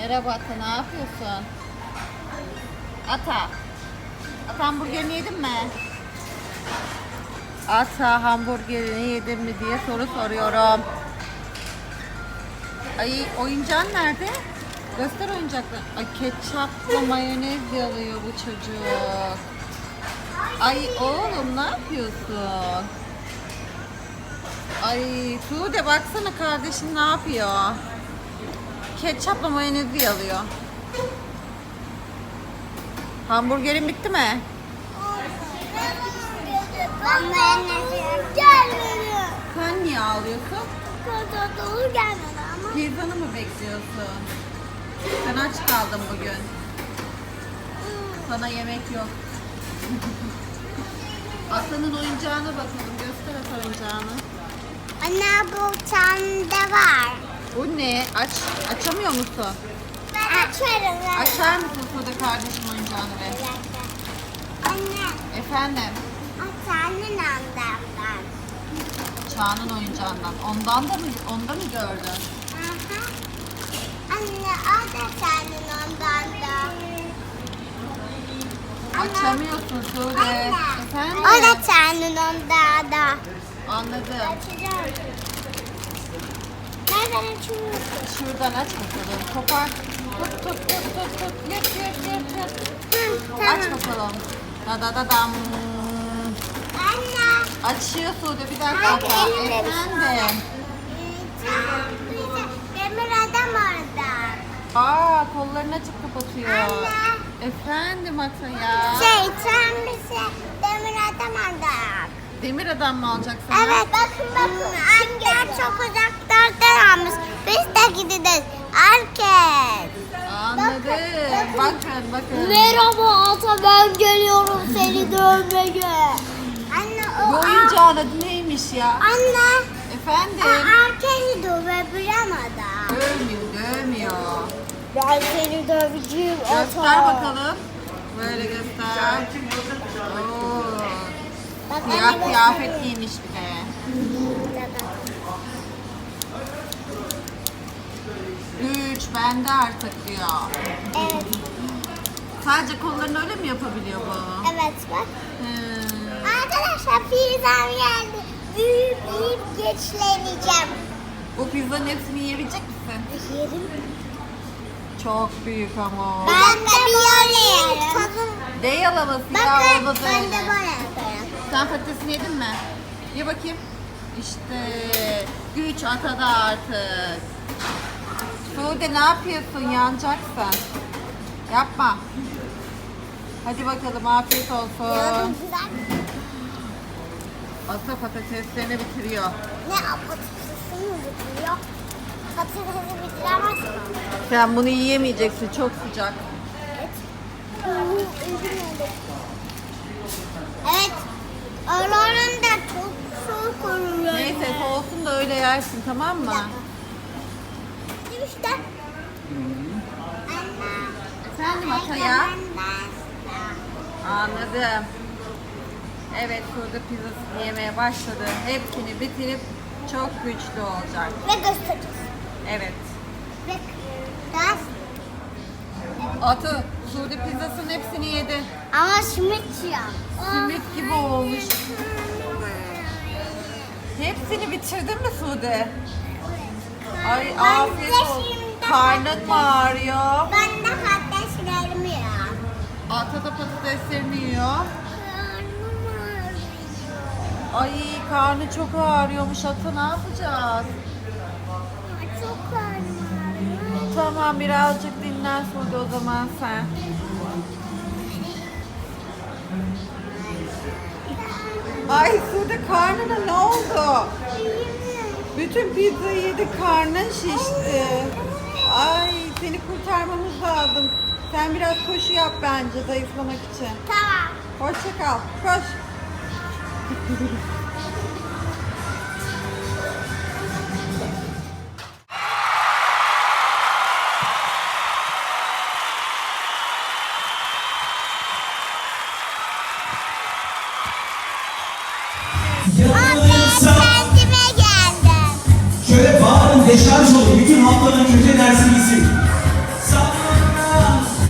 Merhaba Ata, ne yapıyorsun? Ata. Ata, hamburgerini yedin mi? Ata, hamburgerini yedin mi diye soru soruyorum. Ay, oyuncağın nerede? Göster oyuncakları. Ay, ketçapla mayonez yalıyor bu çocuk. Ay oğlum, ne yapıyorsun? Ay Sude, baksana kardeşin ne yapıyor? Ketçapla mayonezi yalıyor. Hamburgerin bitti mi? Ben mayonezi gelmedi. Sen niye ağlıyorsun? Kadar dolu gelmedi ama. Pizzanı mı bekliyorsun? Sen aç kaldın bugün. Sana yemek yok. Aslanın oyuncağına bakalım. Göster Ata oyuncağını. Anne, bu sende var. Bu ne? Açamıyor musun? Ben açarım. Açar mısın Sude kardeşim oyuncağını be? Anne, Efendim? senin annemden. Çağ'ın oyuncağından. Onda mı gördün? Aha. Anne, o da senin ondan da. Açamıyorsun Sude. Anne, Efendim? o da senin ondan da. Anladım. Açacağım. Nereden açıyorsun? Şuradan aç bakalım. Kopar. Tut. Yap. Hı, Aç bakalım. Da. Anne. Açıyor Sude, bir dakika. Hadi, elimle bir Efendim? Demir adam orada. Aa, kollarını açıp kapatıyor. Anne. Efendim Ata ya. Sen bize demir adam aldık. Demir adam mı alacaksın? Evet. Bakın. Annem çok uzaklardan almış. Biz de gideceğiz. Herkes. Anladım. Bakın. Merhaba ata, ben geliyorum seni dövmeye. Anne, Bu oyuncağın adı neymiş ya? Anne. Efendim? Herkesi dövebilem adam. Dövmüyor. Ben seni döveceğim ata. Göster bakalım. Böyle göster. Oo. Bak, Siyah anne, kıyafet giymiş bir de. Güç bende artık diyor. Evet. Sadece kollarını öyle mi yapabiliyor bu? Evet bak. Hmm. Arkadaşlar, pizzam geldi. Büyüyüp geçleneceğim. Bu pizzanın hepsini yiyebilecek misin? Yerim. Çok büyük ama. Ben de bir yerim. Ne yalaması ya, Bakın, olmaz ben de öyle. böyle yaparım. Sen patatesini yedin mi? Ye bakayım. İşte güç Ata'da artık. Sude, ne yapıyorsun? Yanacaksın. Yapma. Hadi bakalım, afiyet olsun. Yardım güzel. Ata patateslerini bitiriyor. Ne patatesini mi bitiriyor? Patatesi bitiremez mi? Sen bunu yiyemeyeceksin, çok sıcak. Evet. Oraların da çok soğuk oluyor. Neyse, soğusun da öyle yersin, tamam mı? İşte. Anne. Efendim Ata ya? Anladım. Evet, Sude pizzasını yemeye başladı. Hepsini bitirip çok güçlü olacak. Ve göstereceğiz. Evet. Ve biraz. Atı, Sude pizzasının hepsini yedi. Ama simit ya. Simit gibi olmuş. Hepsini bitirdin mi Sude? Ay, afiyet olsun. Karnın mı ağrıyor? Ben de patateslerimi ya. Ata da patateslerini yiyor. Karnım ağrıyor. Ay, karnı çok ağrıyormuş Ata, ne yapacağız? Çok karnım ağrıyor. Tamam, birazcık dinlen Sude o zaman sen. Ay Sude, karnına ne oldu? Bütün pizzayı yedik, karnın şişti. Ay, seni kurtarmamız lazım. Sen biraz koşu yap bence zayıflamak için. Tamam. Hoşça kal, koş.